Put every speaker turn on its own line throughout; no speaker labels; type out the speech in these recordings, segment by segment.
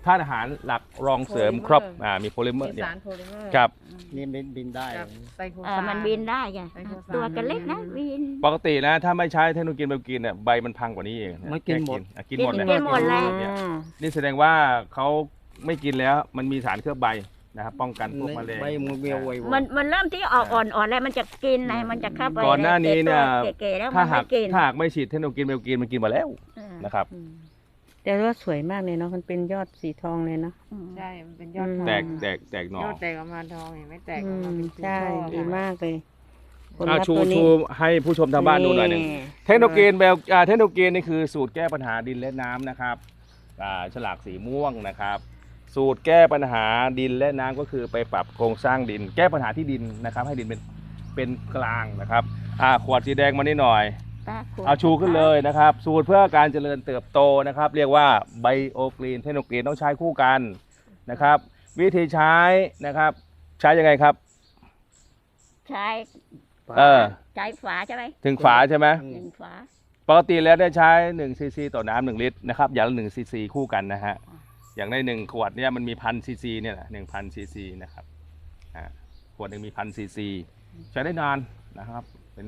ธาตุอาหารหลักรองเสริมครบมีโพลิเมอร์เนี่ย
สารโพลิเมอร์
ครับ
นี่บินได้
กับไซโค
มันบินได้ไง
ไซโคซาน
ตัวกันเล็กนะบิน
ปกตินะถ้าไม่ใช้เทคโนโลยีแบบกินเนี่ยใบมันพังกว่านี้เอง
มันกินหมด
กินหมดเลย
กินหมดเลย
เนี่ยนี่แสดงว่าเขาไม่กินแล้วมันมีสารเคลือบใบนะครับป้องกันพวกมะเร็ง
ใบมือเบียวไว
มันเริ่มที่ออกอ่อนๆแล้วมันจะกินไงมันจะเข้าไป
ก่อนหน้านี้เนี่ย
เก๋ๆแล้วมั
ถ้าน หา
ไม่
ก
กิน
ถ้าหากไม่ฉีดเทคโนโลยีแบบกินมันกินมาแล้วนะครับ
แต่ว่าสวยมากเลยเนาะมันเป็นยอดสีทองเลยเนาะ
ใช่มันเป็นยอดทอง
แตกหน่อย
อดแตกออกมาทองเห็นไหมแตกออกมาเป็น
ใช่
ช่อ
ดีมากเลยผล
อ่ะ
ลัพธ์
ชู
ตัวนี้
ชูให้ผู้ชมทางบ้านดูหน่อยหนึ่งเทคโนโลยีแบบเทคโนโลยีนี่คือสูตรแก้ปัญหาดินและน้ำนะครับฉลากสีม่วงนะครับ สูตรแก้ปัญหาดินและน้ำก็คือไปปรับโครงสร้างดิน แก้ปัญหาที่ดินนะครับ ให้ดินเป็นกลางนะครับขวดสีแดงมานิดหน่อยเอาชูขึ้นเลยนะครับ สูตรเพื่อการเจริญเติบโตนะครับ เรียกว่าไบโอกรีนเทคโนโลยีต้องใช้คู่กันนะครับ วิธีใช้นะครับ ใช้ยังไงครับ
ใช้ ใช้ฝาใช่ไหม
ถึงฝาใช่ไหม
หนึ่งฝา
ปกติแล้วได้ใช้1ซีซีต่อน้ำ1ลิตรนะครับอย่างละ1ซีซีคู่กันนะฮะอย่างใน1ขวดเนี่ยมันมี1,000ซีซีเนี่ยแหละ1,000ซีซีนะครับขวดหนึ่งมี1,000ซีซีใช้ได้นานนะครับเป็น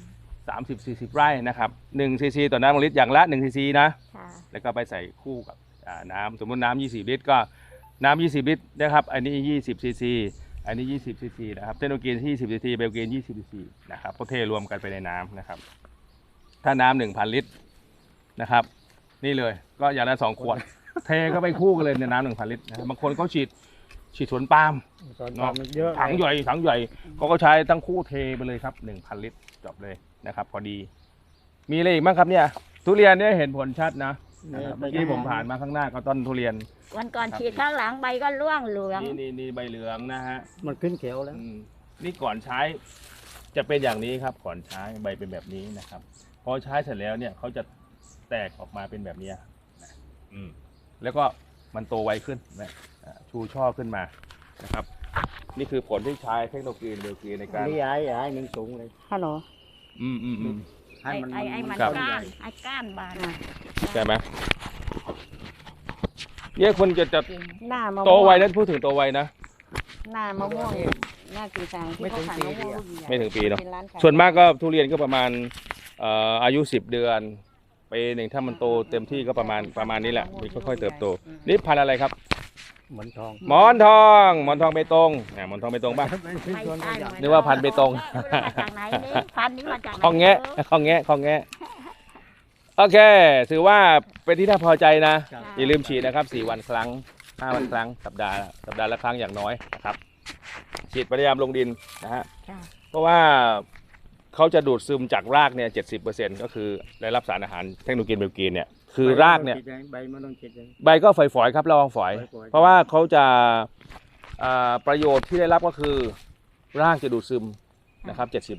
30-40 ไร่นะครับ1ซีซีต่อน้ำ1ลิตรอย่างละ1ซีซีนะ
ค่ะ
แล้วก็ไปใส่คู่กับน้ำสมมติน้ำ20ลิตรก็น้ำ20ลิตรนะครับอันนี้20ซีซีอันนี้20ซีซีนะครับเทคโนโลยี20ซีซีเบลเกน20ซีซีนะครับก็เทรวมกันไปในน้ำนะครับถ้าน้ำ1,000 ลิตรนะครับนี่เลยก็อย่างละ2 ขวด เทก็ไปคู่กันเลยในน้ำ1,000 ลิตรนะบางคนเขาฉีดสวนปาล์ม
ตอนมันเยอะ
ถังใหญ่เขาก็ใช้ทั้งคู่เทไปเลยครับ 1,000 ลิตรจบเลยนะครับพอดีมีอะไรอีกบ้างครับเนี่ยทุเรียนเนี่ยเห็นผลชัดนะเมื่อกี้ผมผ่านมาข้างหน้าก็ต้นทุเรียน
วันก่อนฉีดข้างหลังใบก็ร่วงเหลือง
นี่ใบเหลืองนะฮะ
มันขึ้นเขียวแล้ว
นี่ก่อนใช้จะเป็นอย่างนี้ครับก่อนใช้ใบเป็นแบบนี้นะครับพอใช้เสร็จแล้วเนี่ยเขาจะแตกออกมาเป็นแบบนี้นะแล้วก็มันโตไวขึ้นนะชูช่อขึ้นมานะครับนี่คือผลที่ใช้เทคโนโลยีเบลกีในการ
นี่ย้ายหนึ่งสูงเลย
ฮัลโหล
ให้มัน
ไอ้มัน
ครับ
ก้านไอ้ก้านบาน
ใช่ไหมเนี่ยคนจะ
หน้ามะม่วง
โตไวนะพูดถึงโตไวนะ
หน้ามะม่วงหน้ากีซังที่เขาขายมะม่วงลูกใหญ่
ไม่ถึงปีเนาะ
เป็นร้านขาย
ส่วนมากก็ทุเรียนก็ประมาณอายุ10 เดือนปีหนึ่งถ้ามันโตเต็มที่ก็ประมาณนี้แหละมันค่อยๆเติบโตนี่พันธุ์อะไรครับ
เหมือนทอง
หมอนทองเบตงหมอนทองเบตงป่ะ นึกว่าพันธุ์เบตง
มาจากไหนนี่พันธุ์นี้มาจากไหน
ของแงะโอเคถือว่าเป็นที่น่าพอใจนะอย่าลืมฉีดนะครับ4 วันครั้ง5 วันครั้งสัปดาห์ละครั้งอย่างน้อยนะครับฉีดพยายามลงดินนะฮะ
ค่ะ
เพราะว่าเขาจะดูดซึมจากรากเนี่ย 70%ก็คือได้รับสารอาหารเทคโนโลยีเบลกีนเนี่ยคือรากเนี่ย
ใบมันต้องคิดเลย
ใบก็ฝอยๆครับระวังฝอย เพราะว่าเขาจะประโยชน์ที่ได้รับก็คือรากจะดูดซึมนะครับ70